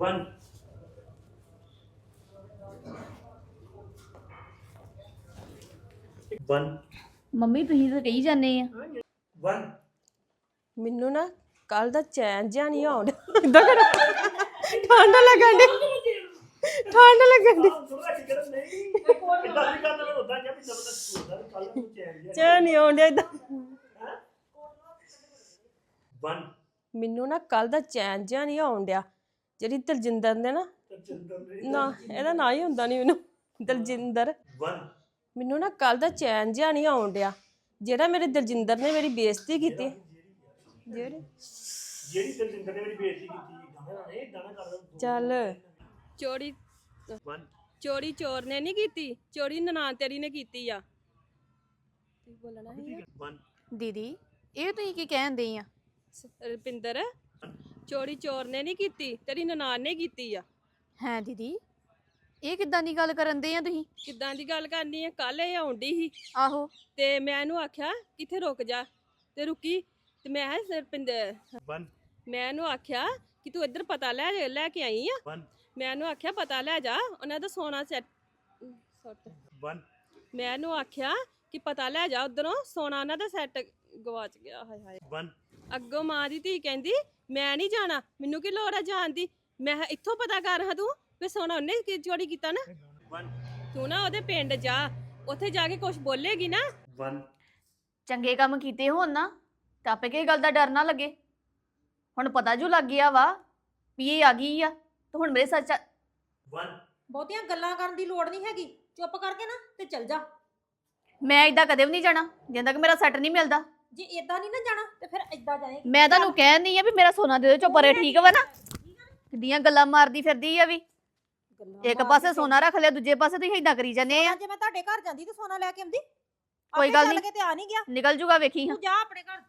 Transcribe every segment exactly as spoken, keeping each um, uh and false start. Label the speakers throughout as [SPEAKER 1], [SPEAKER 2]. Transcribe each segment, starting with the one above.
[SPEAKER 1] One one
[SPEAKER 2] mummy ਤੁਸੀਂ ਤਾਂ ਕਹੀ ਜਾਂਦੇ ਆ
[SPEAKER 1] वन
[SPEAKER 3] ਮੈਨੂੰ ਨਾ ਕੱਲ ਦਾ ਚੈਨ ਜਿਹਾ ਨਹੀਂ ਆਉਂਦਾ ਇਦਾਂ ਕਰ ਠੰਡ ਲੱਗਣ ਦੀ ਠੰਡ ਲੱਗਣ ਦੀ ਚੈਨ ਨਹੀਂ ਆਉਂਦਾ ਇਦਾਂ
[SPEAKER 1] वन
[SPEAKER 3] ਮੈਨੂੰ ਨਾ ਕੱਲ ਦਾ ਚੈਨ ਜਿਹਾ ਨਹੀਂ ਆਉਂਦਿਆ ਜਿਹੜੀ ਦਲਜਿੰਦਰ ਨੇ ਨਾ ਨਾ ਇਹਦਾ ਨਾਂ ਹੀ ਹੁੰਦਾ ਨਹੀਂ ਮੈਨੂੰ ਦਲਜਿੰਦਰ
[SPEAKER 1] वन
[SPEAKER 3] ਮੈਨੂੰ ਨਾ ਕੱਲ ਦਾ ਚੈਨ ਜਿਹਾ ਨਹੀਂ ਆਉਂਦਿਆ ਜਿਹੜਾ ਮੇਰੇ ਦਲਜਿੰਦਰ ਨੇ ਮੇਰੀ ਬੇਇੱਜ਼ਤੀ ਕੀਤੀ ਜਿਹੜੇ
[SPEAKER 1] ਜਿਹੜੀ ਦਲਜਿੰਦਰ ਨੇ ਮੇਰੀ ਬੇਇੱਜ਼ਤੀ ਕੀਤੀ ਗਾਣਾ ਨੇ ਗਾਣਾ ਕਰ
[SPEAKER 3] ਚੱਲ ਚੋਰੀ
[SPEAKER 1] वन
[SPEAKER 3] ਚੋਰੀ ਚੋਰ ਨੇ ਨਹੀਂ ਕੀਤੀ ਚੋਰੀ ਨਨਾਣ ਤੇਰੀ ਨੇ ਕੀਤੀ ਆ ਤੂੰ ਬੋਲਣਾ ਹੈ
[SPEAKER 1] वन
[SPEAKER 2] ਦੀਦੀ ਇਹ ਤੁਸੀਂ ਕੀ ਕਹਿੰਦੇ ਆ
[SPEAKER 3] ਰੁਪਿੰਦਰ ਚੋਰੀ ਚੋਰ ਨੇ ਨਹੀਂ ਕੀਤੀ ਤੇਰੀ ਨਨਾਣ ਨੇ ਕੀਤੀ ਆ
[SPEAKER 2] ਹੈ ਦੀਦੀ ਇਹ ਕਿੱਦਾਂ ਦੀ ਗੱਲ ਕਰਨ ਦੇ ਆ ਤੁਸੀਂ
[SPEAKER 3] ਕਿੱਦਾਂ ਦੀ ਗੱਲ ਕਰਨੀ ਹੈ ਕੱਲ ਇਹ ਆਉਂਦੀ ਸੀ
[SPEAKER 2] ਆਹੋ
[SPEAKER 3] ਤੇ ਮੈਂ ਇਹਨੂੰ ਆਖਿਆ ਕਿੱਥੇ ਰੁਕ ਜਾ ਤੇ ਰੁਕੀ ਤੇ ਮੈਂ ਕਿਹਾ ਰੁਪਿੰਦਰ
[SPEAKER 1] वन
[SPEAKER 3] ਮੈਂ ਇਹਨੂੰ ਆਖਿਆ ਕਿ ਤੂੰ ਇੱਧਰ ਪਤਾ ਲੈ ਲੈ ਕੇ ਆਈ ਆ
[SPEAKER 1] वन
[SPEAKER 3] ਮੈਂ ਇਹਨੂੰ ਆਖਿਆ ਪਤਾ ਲੈ ਜਾ ਉਹਨਾਂ ਦਾ ਸੋਨਾ ਸੈੱਟ
[SPEAKER 1] वन
[SPEAKER 3] ਮੈਂ ਇਹਨੂੰ ਆਖਿਆ ਕਿ ਪਤਾ ਲੈ ਜਾ ਉਧਰੋਂ ਸੋਨਾ ਉਹਨਾਂ ਦਾ ਸੈੱਟ ਗਵਾਚ ਗਿਆ ਹਾਏ ਹਾਏ
[SPEAKER 1] वन
[SPEAKER 3] ਅੱਗੋਂ ਮਾਂ ਦੀ ਧੀ ਕਹਿੰਦੀ ਮੈਂ ਨਹੀਂ ਜਾਣਾ ਮੈਨੂੰ ਕੀ ਲੋੜ ਆ ਜਾਣ ਦੀ ਮੈਂ ਕਿਹਾ ਇੱਥੋਂ ਪਤਾ ਕਰ ਹਾਂ ਤੂੰ ਵੀ ਸੋਨਾ ਉਹਨੇ ਕੀ ਚੋਰੀ ਕੀਤਾ ਨਾ
[SPEAKER 1] वन
[SPEAKER 3] ਤੂੰ ਨਾ ਉਹਦੇ ਪਿੰਡ ਜਾ ਉੱਥੇ ਜਾ ਕੇ ਕੁਝ ਬੋਲੇਗੀ ਨਾ
[SPEAKER 1] वन
[SPEAKER 2] ਚੰਗੇ ਕੰਮ ਕੀਤੇ ਹੋਣ ਨਾ ਤਾਂ ਆਪੇ ਕਿਸੇ ਗੱਲ ਦਾ ਡਰ ਨਾ ਲੱਗੇ ਹੁਣ ਪਤਾ ਜੂ ਲੱਗ ਗਿਆ ਵਾ ਵੀ ਇਹ ਆ ਗਈ ਆ ਤੇ ਹੁਣ ਮੇਰੇ ਸੱਚ
[SPEAKER 1] वन
[SPEAKER 4] ਬਹੁਤੀਆਂ ਗੱਲਾਂ ਕਰਨ ਦੀ ਲੋੜ ਨਹੀਂ ਹੈਗੀ ਚੁੱਪ ਕਰਕੇ ਨਾ ਤੇ ਚੱਲ ਜਾ
[SPEAKER 2] ਮੈਂ ਇਦਾਂ ਕਦੇ ਵੀ ਨਹੀਂ ਜਾਣਾ ਜਿੰਦਾ ਤੱਕ ਮੇਰਾ ਸੈੱਟ ਨਹੀਂ ਮਿਲਦਾ
[SPEAKER 4] ਜੇ ਇਦਾਂ ਨਹੀਂ ਨਾ ਜਾਣਾ ਤੇ ਫਿਰ ਇਦਾਂ ਜਾਏਗੀ
[SPEAKER 2] ਮੈਂ ਤੁਹਾਨੂੰ ਕਹਿੰਦੀ ਆ ਵੀ ਮੇਰਾ ਸੋਨਾ ਦੇ ਦਿਓ ਚੁੱਪ ਰੇ ਠੀਕ ਵਾ ਨਾ ਕਿੱਡੀਆਂ ਗੱਲਾਂ ਮਾਰਦੀ ਫਿਰਦੀ ਆ ਵੀ ਇੱਕ ਪਾਸੇ ਸੋਨਾ ਰੱਖ ਲਿਆ ਦੂਜੇ ਪਾਸੇ ਤੁਸੀਂ ਇਦਾਂ ਕਰੀ ਜਾਂਦੇ ਆ
[SPEAKER 4] ਜੇ ਮੈਂ ਤੁਹਾਡੇ ਘਰ ਜਾਂਦੀ ਤੇ ਸੋਨਾ ਲੈ ਕੇ ਆਉਂਦੀ
[SPEAKER 2] ਕੋਈ
[SPEAKER 4] ਆਪੇ
[SPEAKER 2] ਗੱਲ
[SPEAKER 4] ਚੱਲ
[SPEAKER 2] ਨਹੀਂ।
[SPEAKER 4] ਕੇ ਤੇ ਆ ਨਹੀਂ ਗਿਆ
[SPEAKER 2] ਨਿਕਲ ਜੂਗਾ ਵੇਖੀ ਹਾਂ
[SPEAKER 4] ਤੂੰ ਜਾ ਆਪਣੇ ਘਰ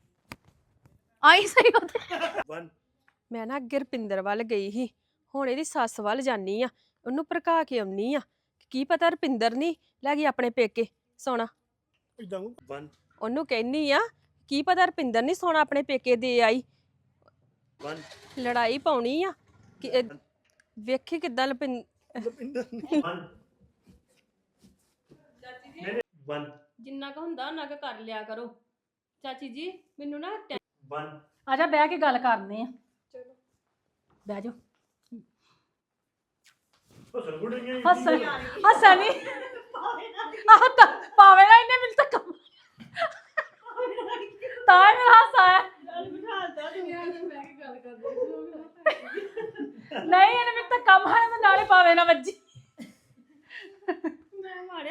[SPEAKER 2] ਆਈ ਸਹੀ ਉੱਥੇ
[SPEAKER 1] वन
[SPEAKER 3] ਮੈਂ ਨਾ ਅੱਗੇ ਰੁਪਿੰਦਰ ਵੱਲ ਗਈ ਸੀ ਹੁਣ ਇਹਦੀ ਸੱਸ ਵੱਲ ਜਾਨੀ ਆ ਉਹਨੂੰ ਭੜਕਾ ਕੇ ਆਉਣੀ ਆ ਕੀ ਪਤਾ ਰੁਪਿੰਦਰ ਨਹੀਂ ਲੈ ਗਈ ਆਪਣੇ ਪੇਕੇ ਸੋਨਾ
[SPEAKER 1] वन
[SPEAKER 3] ਉਹਨੂੰ ਕਹਿਨੀ ਆ ਕੀ ਪਤਾ ਰੁਪਿੰਦਰ ਨਹੀਂ ਸੋਨਾ ਆਪਣੇ ਪੇਕੇ ਦੇ ਆਈ
[SPEAKER 1] वन
[SPEAKER 3] ਲੜਾਈ ਪਾਉਣੀ ਆ ਕਿ ਇਹ- ਵੇਖੀ ਕਿੱਦਾਂ ਲਪਿੰ
[SPEAKER 1] वन वन
[SPEAKER 3] ਜਿੰਨਾ ਕੁ ਹੁੰਦਾ ਉਹਨਾਂ ਕੁ ਕਰ ਲਿਆ ਕਰੋ ਚਾਚੀ ਜੀ ਮੈਨੂੰ ਨਾ ਟੈ-
[SPEAKER 1] वन
[SPEAKER 4] ਆ ਜਾ ਬਹਿ ਕੇ ਗੱਲ ਕਰਨੇ ਆ
[SPEAKER 3] ਚਲੋ
[SPEAKER 4] ਬਹਿ ਜਾ
[SPEAKER 1] ਹਸਨ ਗੁੱਡ ਗਈ
[SPEAKER 4] ਹੱਸਣ ਹੱਸਣ ਨਹੀਂ ਆਹ ਤਾਂ ਪਾਵੇ ਨਾ ਇਹਨੇ ਮਿਲ ਤੱਕ ਤਾਂ ਹੀ ਮੇਰਾ ਹਾਸਾ ਆਇਆ ਨਹੀਂ ਇਹਨੇ ਮਿਲ ਤੱਕ ਕੰਮ ਹੈ ਮੈਂ ਨਾਲੇ ਪਾਵੇ ਨਾ ਵੱਜੀ
[SPEAKER 3] ਮੈਂ ਮਾਰੇ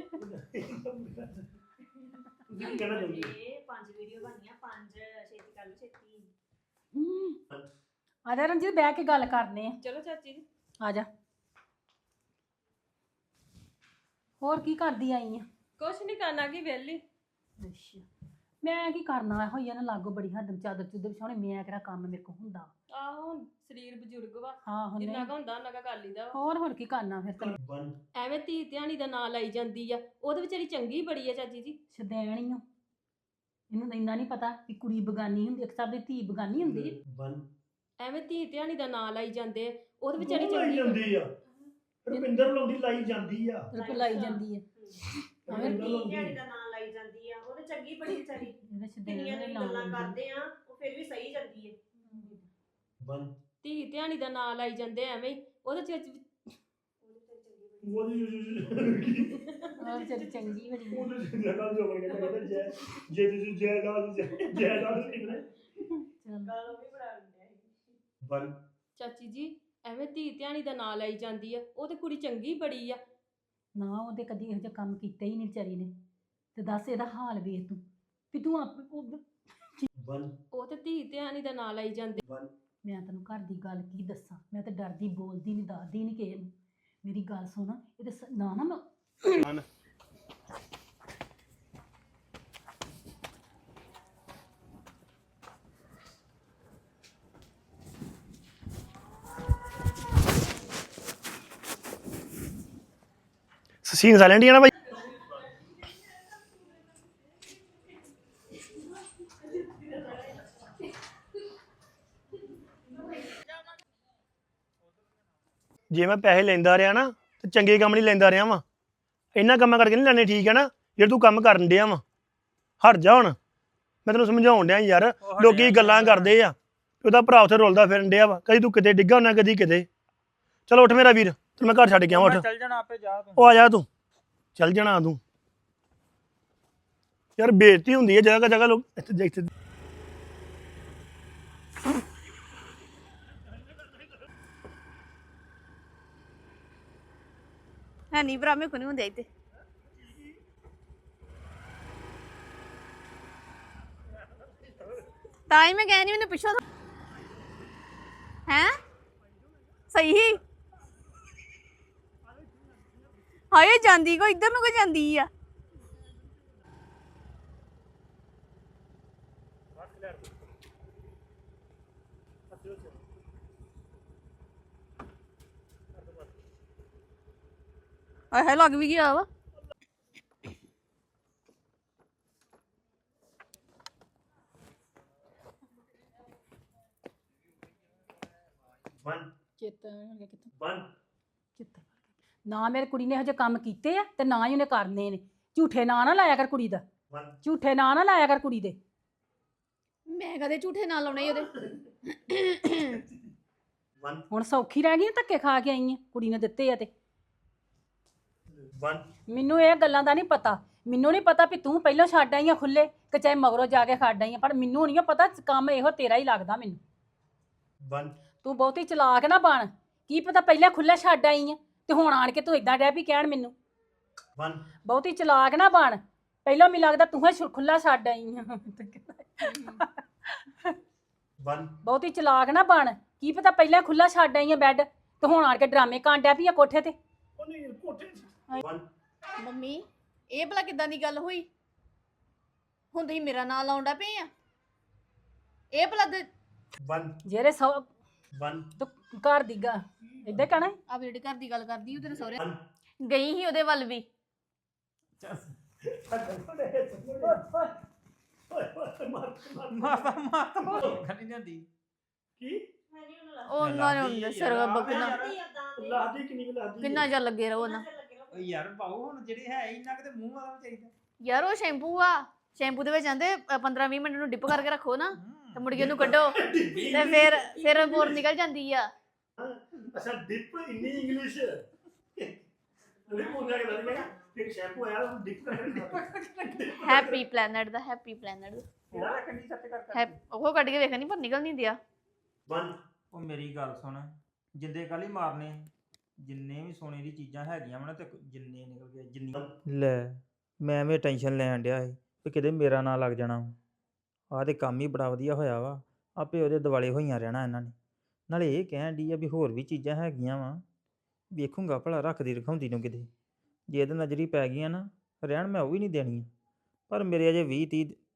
[SPEAKER 1] ਤੁਸੀਂ ਕਹਿਣਾ ਚਾਹੁੰਦੇ
[SPEAKER 5] ਇਹ ਪੰਜ ਵੀਡੀਓ ਬਣੀਆਂ ਪੰਜ ਛੇਤੀ ਕਰ ਲਓ ਛੇਤੀ
[SPEAKER 4] ਆ ਜਾ ਰਣਜੀਤ ਬਹਿ ਕੇ ਗੱਲ ਕਰਨੇ ਆ
[SPEAKER 3] ਚਲੋ ਚਾਚੀ ਜੀ
[SPEAKER 4] ਆ ਜਾ ਹੋਰ ਕੀ ਕਰਦੀ ਆਈ ਆ
[SPEAKER 3] ਕੁਛ ਨਹੀਂ ਕਰਨਾ ਕੀ ਵਿਹਲੀ
[SPEAKER 4] ਅੱਛਾ ਮੈਂ ਕੀ ਕਰਨਾ ਹੋਈ ਆ ਨਾ ਲਾਗੋ ਬੜੀ ਹੱਦ ਚਾਦਰ ਚੁੱਦਰ ਵਿਛਾਉਣੇ ਮੈਂ ਕਿਹੜਾ ਕੰਮ ਮੇਰੇ ਕੋ ਹੁੰਦਾ
[SPEAKER 3] ਆਹੋ ਸਰੀਰ ਬਜ਼ੁਰਗ ਵਾ
[SPEAKER 4] ਹਾਂ ਹੁਣ
[SPEAKER 3] ਜਿੰਨਾ
[SPEAKER 4] ਨਹੀਂ
[SPEAKER 3] ਕੁ ਹੁੰਦਾ ਉਹਨਾਂ ਕੁ ਕਰ ਲਈਦਾ ਵਾ।
[SPEAKER 4] ਹੋਰ ਹੋਰ ਕੀ ਕਰਨਾ ਫਿਰ ਤੈਨੂੰ
[SPEAKER 1] वन
[SPEAKER 3] ਐਵੇਂ ਧੀ ਧਿਆਣੀ ਦਾ ਨਾਂ ਲਾਈ ਜਾਂਦੀ ਆ ਉਹਦੇ ਵਿਚਾਰੀ ਚੰਗੀ ਬੜੀ ਆ ਚਾਚੀ ਜੀ
[SPEAKER 4] ਸ਼ਦੈਣ ਹੀ ਓ ਇਹਨੂੰ ਤਾਂ ਇੰਨਾ ਨਹੀਂ ਪਤਾ ਕਿ ਕੁੜੀ ਬਗਾਨੀ ਹੁੰਦੀ ਇੱਕ ਤਰ੍ਹਾਂ ਦੀ ਧੀ ਬਗਾਨੀ ਹੁੰਦੀ ਹੈ।
[SPEAKER 1] वन
[SPEAKER 3] ਐਵੇਂ ਧੀ ਧਿਆਣੀ ਦਾ ਨਾਂ ਲਾਈ ਜਾਂਦੇ ਆ ਉਹਦੇ ਵਿਚਾਰੀ
[SPEAKER 1] ਲਾਈ
[SPEAKER 3] ਚੰਗੀ
[SPEAKER 1] ਜਾਂਦੀ ਆ ਰੁਪਿੰਦਰ ਲਾਉਂਦੀ ਲਾਈ ਜਾਂਦੀ ਆ
[SPEAKER 4] ਰੁਪਏ ਲਾਈ ਜਾਂਦੀ ਹੈ
[SPEAKER 1] ਰੁਪਿੰਦਰ
[SPEAKER 5] ਧੀ
[SPEAKER 1] ਲਾਉਂਦੀ
[SPEAKER 5] ਧਿਆਣੀ ਦਾ ਨਾਂ ਲਾਈ ਜਾਂਦੀ ਆ ਉਹਨੇ ਚੰਗੀ ਬੜੀ ਵਿਚਾਰੀ
[SPEAKER 4] ਇਹਦੇ ਸ਼ਦੈਣ
[SPEAKER 5] ਕਿੰਨੀਆਂ
[SPEAKER 4] ਦੇ
[SPEAKER 5] ਦੀ
[SPEAKER 4] ਨਾਮ
[SPEAKER 5] ਗੱਲਾਂ
[SPEAKER 4] ਲੈਂਦੀ।
[SPEAKER 5] ਕਰਦੇ ਆ ਉਹ ਫਿਰ ਵੀ ਸਹੀ ਜਾਂਦੀ ਹੈ
[SPEAKER 1] वन
[SPEAKER 3] ਧੀ ਧਿਆਣੀ ਦਾ ਨਾਂ ਲਾਈ ਜਾਂਦੇ ਆ ਐਵੇਂ ਹੀ। ਉਹਦੇ ਚ
[SPEAKER 1] ਉਹਦੀ
[SPEAKER 4] ਉਹ ਵਿਚਾਰੀ ਚੰਗੀ ਬੜੀ ਹੈ।
[SPEAKER 1] ਉਹਦੇ ਜਗ੍ਹਾ ਜੋ ਬਣ ਗਿਆ ਕਹਿੰਦਾ ਜੈ ਜੇ ਤੁਸੀਂ ਜੈ ਦਾ ਜੈ ਦਾ ਨਿਕਲੇ
[SPEAKER 4] ਚੱਲ
[SPEAKER 5] ਗੱਲ ਉਹ ਵੀ ਬਣਾ ਲੈਂਦੇ ਆ
[SPEAKER 1] वन
[SPEAKER 3] ਚਾਚੀ ਜੀ ਐਵੇਂ ਧੀ ਧਿਆਣੀ ਦਾ ਨਾਂ ਲਾਈ ਜਾਂਦੀ ਆ ਉਹ ਤੇ ਕੁੜੀ ਚੰਗੀ ਬੜੀ ਆ
[SPEAKER 4] ਨਾ ਉਹਦੇ ਕਦੀ ਇਹੋ ਜਿਹਾ ਕੰਮ ਕੀਤਾ ਹੀ ਨਹੀਂ ਵਿਚਾਰੀ ਨੇ ਤੇ ਦੱਸ ਇਹਦਾ ਹਾਲ ਵੇਖ ਤੂੰ ਵੀ ਤੂੰ ਆਪ ਉਹ-
[SPEAKER 1] वन
[SPEAKER 3] ਉਹ ਤੇ ਧੀ ਧਿਆਣੀ ਦਾ ਨਾਂ ਲਾਈ ਜਾਂਦੇ
[SPEAKER 1] वन
[SPEAKER 4] ਮੈਂ ਤੈਨੂੰ ਘਰ ਦੀ ਗੱਲ ਕੀ ਦੱਸਾਂ ਮੈਂ ਤਾਂ ਡਰਦੀ ਬੋਲਦੀ ਨਹੀਂ ਦੱਸਦੀ ਨਹੀਂ ਕਿਸੇ ਨੂੰ ਮੇਰੀ ਗੱਲ ਸੁਣ ਇਹਦੇ ਸ- ਨਾ ਨਾ ਮੈਂ
[SPEAKER 6] ਸੀਨ ਸਾਇਲੈਂਟ ਹੀ ਆ ਨਾ ਭਾਈ
[SPEAKER 1] ਜੇ ਮੈਂ ਪੈਸੇ ਲੈਂਦਾ ਰਿਹਾ ਨਾ ਤੇ ਚੰਗੇ ਕੰਮ ਨਹੀਂ ਲੈਂਦਾ ਰਿਹਾ ਵਾਂ ਇੰਨਾ ਕੰਮਾਂ ਕਰਕੇ ਨਹੀਂ ਲੈਣੇ ਠੀਕ ਹੈ ਨਾ ਜੇ ਤੂੰ ਕੰਮ ਕਰਨ ਡਿਆ ਵਾਂ ਹਟ ਜਾ ਹੁਣ ਮੈਂ ਤੈਨੂੰ ਸਮਝਾਉਣ ਡਿਆ ਯਾਰ ਲੋਕੀ ਗੱਲਾਂ ਕਰਦੇ ਆ ਉਹਦਾ ਭਰਾ ਉੱਥੇ ਰੁਲਦਾ ਫਿਰਨ ਡਿਆ ਵਾ ਕਦੀ ਤੂੰ ਕਿਤੇ ਡਿੱਗਾ ਹੁੰਦਾ ਕਦੀ ਕਿਤੇ ਚਲੋ ਉੱਠ ਮੇਰਾ ਵੀਰ ਤੈਨੂੰ ਮੈਂ ਘਰ ਛੱਡ ਕੇ ਆਵਾਂ ਉੱਠ
[SPEAKER 6] ਚੱਲ ਜਾਣਾ ਆਪੇ ਜਾ ਤੂੰ
[SPEAKER 1] ਉਹ ਆ ਜਾ ਤੂੰ ਚੱਲ ਜਾਣਾ ਤੂੰ ਯਾਰ ਬੇਇੱਜ਼ਤੀ ਹੁੰਦੀ ਹੈ ਜਗ੍ਹਾ ਜਗ੍ਹਾ ਲੋਕ ਇੱਥੇ ਇੱਥੇ
[SPEAKER 2] ਹੈ ਨਹੀਂ ਭਰਾ ਮੇਰੇ ਕੋ ਨਹੀਂ ਹੁੰਦੇ ਇੱਥੇ ਤਾਂ ਹੀ ਮੈਂ ਕਹਿ ਨਹੀਂ ਮੈਨੂੰ ਪਿੱਛੋਂ ਹੈ ਸਹੀ ਹੀ ਹਾਏ ਜਾਂਦੀ ਕੋ ਇੱਧਰ ਨੂੰ ਕੋ ਜਾਂਦੀ ਆ ਆਹ ਲੱਗ ਵੀ ਗਿਆ ਵਾ
[SPEAKER 1] ਵਨ
[SPEAKER 4] ਚੇਤਾ ਕਿੱਥੇ
[SPEAKER 1] ਵਨ
[SPEAKER 4] ਚੇਤਾ ਨਾ ਮੇਰੀ ਕੁੜੀ ਨੇ ਹਜੇ ਕੰਮ ਕੀਤੇ ਆ ਤੇ ਨਾ ਹੀ ਉਹਨੇ ਕਰਨੇ ਨੇ ਝੂਠੇ ਨਾਂ ਨਾ ਲਾਇਆ ਕਰ ਕੁੜੀ ਦਾ
[SPEAKER 1] ਵਨ
[SPEAKER 4] ਝੂਠੇ ਨਾਂ ਨਾ ਲਾਇਆ ਕਰ ਕੁੜੀ ਦੇ
[SPEAKER 2] ਮੈਂ ਕਦੇ ਝੂਠੇ ਨਾਲ ਲਾਉਣੇ ਉਹਦੇ
[SPEAKER 1] ਵਨ
[SPEAKER 4] ਹੁਣ ਸੌਖੀ ਰਹਿ ਗਈ ਆ, ਧੱਕੇ ਖਾ ਕੇ ਆਈ ਆ ਕੁੜੀ ਨੇ ਦਿੱਤੇ ਆ ਤੇ
[SPEAKER 1] ਵਨ
[SPEAKER 4] ਮੈਨੂੰ ਇਹ ਗੱਲਾਂ ਦਾ ਨਹੀਂ ਪਤਾ ਮੈਨੂੰ ਨਹੀਂ ਪਤਾ ਵੀ ਤੂੰ ਪਹਿਲਾਂ ਛੱਡ ਆਈ ਆ ਖੁੱਲੇ ਕਿ ਚਾਹੇ ਮਗਰੋਂ ਜਾ ਕੇ ਛੱਡ ਆਈ ਆ ਪਰ ਮੈਨੂੰ ਨਹੀਂ ਪਤਾ ਕੰਮ ਇਹੋ ਤੇਰਾ ਹੀ ਲੱਗਦਾ ਮੈਨੂੰ
[SPEAKER 1] ਵਨ
[SPEAKER 4] ਤੂੰ ਬਹੁਤੀ ਚਲਾਕ ਨਾ ਬਣ ਕੀ ਪਤਾ ਪਹਿਲਾਂ ਖੁੱਲੇ ਛੱਡ ਆਈ ਆ ਤੇ ਹੁਣ ਆਣ ਕੇ ਤੂੰ ਇਦਾਂ ਡੈ ਵੀ ਕਹਿਣ ਮੈਨੂੰ
[SPEAKER 1] ਵਨ
[SPEAKER 4] ਬਹੁਤੀ ਚਲਾਕ ਨਾ ਬਣ ਪਹਿਲਾਂ ਮੈਨੂੰ ਲੱਗਦਾ ਤੂੰ ਹੀ ਖੁੱਲਾ ਛੱਡ ਆਈ ਆ
[SPEAKER 1] ਵਨ
[SPEAKER 4] ਬਹੁਤੀ ਚਲਾਕ ਨਾ ਬਣ ਕੀ ਪਤਾ ਪਹਿਲਾਂ ਖੁੱਲਾ ਛੱਡ ਆਈ ਆ ਬੈੱਡ ਤੇ ਹੁਣ ਆਣ ਕੇ ਡਰਾਮੇ ਕਾਂਡਿਆ ਵੀ ਆ ਕੋਠੇ ਤੇ
[SPEAKER 1] ਉਹਨੇ ਕੋਠੇ ਵਨ
[SPEAKER 2] ਮੰਮੀ ਇਹ ਭਲਾ ਕਿੱਦਾਂ ਦੀ ਗੱਲ ਹੋਈ ਹੁਣ ਤੁਸੀਂ ਮੇਰਾ ਨਾਂ ਲਾਉਂਦਾ ਪਏ ਆ ਇਹ ਭਲਾ ਤੇ
[SPEAKER 1] ਵਨ
[SPEAKER 4] ਜਿਹੜੇ ਸੌ
[SPEAKER 1] ਵਨ
[SPEAKER 4] ਤੂੰ ਘਰ ਦੀ ਗਾ ਇਦਾਂ ਕਹਿਣਾ ਈ?
[SPEAKER 2] ਆ ਜਿਹੜੀ ਘਰ ਦੀ ਗੱਲ ਕਰਦੀ ਉਹ ਤੇਰੇ ਸਹੁਰੇ
[SPEAKER 1] ਵਨ
[SPEAKER 2] ਗਈ ਸੀ ਉਹਦੇ ਵੱਲ ਵੀ
[SPEAKER 6] ਮਾਤਾ ਮਾਤਾ ਖਣੀ ਜਾਂਦੀ
[SPEAKER 1] ਕੀ
[SPEAKER 2] ਉਹਨਾਂ ਨੇ ਹੁੰਦੇ ਸਿਰ ਬਕਨਾ
[SPEAKER 1] ਲਾਦੀ ਕਿੰਨੀ ਕੁ ਲਾਦੀ
[SPEAKER 2] ਕਿੰਨਾ ਜਿਹਾ ਲੱਗੇ ਰਹੋ ਨਾ
[SPEAKER 6] ਓ ਯਾਰ ਬਾਉ ਹੁਣ ਜਿਹੜੀ ਹੈ ਇੰਨਾ ਕਿਤੇ ਮੂੰਹ ਵਾਲਾ ਚਾਹੀਦਾ
[SPEAKER 2] ਯਾਰ ਉਹ ਸ਼ੈਂਪੂ ਆ ਸ਼ੈਂਪੂ ਦੇ ਵਿੱਚ ਆਂਦੇ ਪੰਦਰਾਂ ਵੀਹ ਮਿੰਟ ਨੂੰ ਡਿਪ ਕਰਕੇ ਰੱਖੋ ਨਾ ਤੇ ਮੁੜ ਕੇ ਉਹਨੂੰ ਕੱਢੋ ਤੇ ਫਿਰ ਫਿਰ ਬੋਰ ਨਿਕਲ ਜਾਂਦੀ ਆ
[SPEAKER 1] ਅੱਛਾ ਡਿਪ ਇੰਨੀ ਇੰਗਲਿਸ਼ ਉਹਨੇ ਬੋਲਿਆ ਕਿ ਲੱਗਦਾ ਕਿ ਸ਼ੈਂਪੂ ਆਇਆ ਉਹ ਡਿਪ ਕਰਕੇ
[SPEAKER 2] ਹੈਪੀ ਪਲੈਨਟ ਦਾ ਹੈਪੀ ਪਲੈਨਟ
[SPEAKER 6] ਉਹ ਕੰਨੀ ਸੱਚ ਕਰ ਕਰ
[SPEAKER 2] ਉਹ ਕੱਢ ਕੇ ਵੇਖਣੀ ਪਰ ਨਿਕਲ ਨਹੀਂ ਦਿਆ
[SPEAKER 1] ਵਨ
[SPEAKER 6] ਉਹ ਮੇਰੀ ਗੱਲ ਸੁਣ ਜਿੰਦੇ ਕੱਲ ਹੀ ਮਾਰਨੇ ਜਿੰਨੇ ਵੀ ਸੋਨੇ ਦੀ ਚੀਜ਼ਾਂ ਹੈਗੀਆਂ ਵਾ ਨਾ ਤੇ ਜਿੰਨੇ ਨਿਕਲ ਗਏ ਜਿੰਨੀ ਲੈ ਮੈਂ ਐਵੇਂ ਟੈਨਸ਼ਨ ਲੈਣ ਡਿਆ ਸੀ ਵੀ ਕਿਤੇ ਮੇਰਾ ਨਾਂ ਲੱਗ ਜਾਣਾ ਆਹ ਤੇ ਕੰਮ ਹੀ ਬੜਾ ਵਧੀਆ ਹੋਇਆ ਵਾ ਆਪੇ ਉਹਦੇ ਦਿਵਾਲੇ ਹੋਈਆਂ ਰਹਿਣਾ ਇਹਨਾਂ ਨੇ ਨਾਲੇ ਇਹ ਕਹਿਣ ਡਈ ਆ ਵੀ ਹੋਰ ਵੀ ਚੀਜ਼ਾਂ ਹੈਗੀਆਂ ਵਾ ਵੇਖੂੰਗਾ ਭਲਾ ਰੱਖਦੀ ਰਖਾਉਂਦੀ ਨੂੰ ਕਿਤੇ ਜੇ ਇਹਦੇ ਨਜ਼ਰੀ ਪੈ ਗਈਆਂ ਨਾ ਰਹਿਣ ਮੈਂ ਉਹ ਵੀ ਨਹੀਂ ਦੇਣੀ ਪਰ ਮੇਰੇ ਅਜੇ ਵੀਹ ਤੀਹ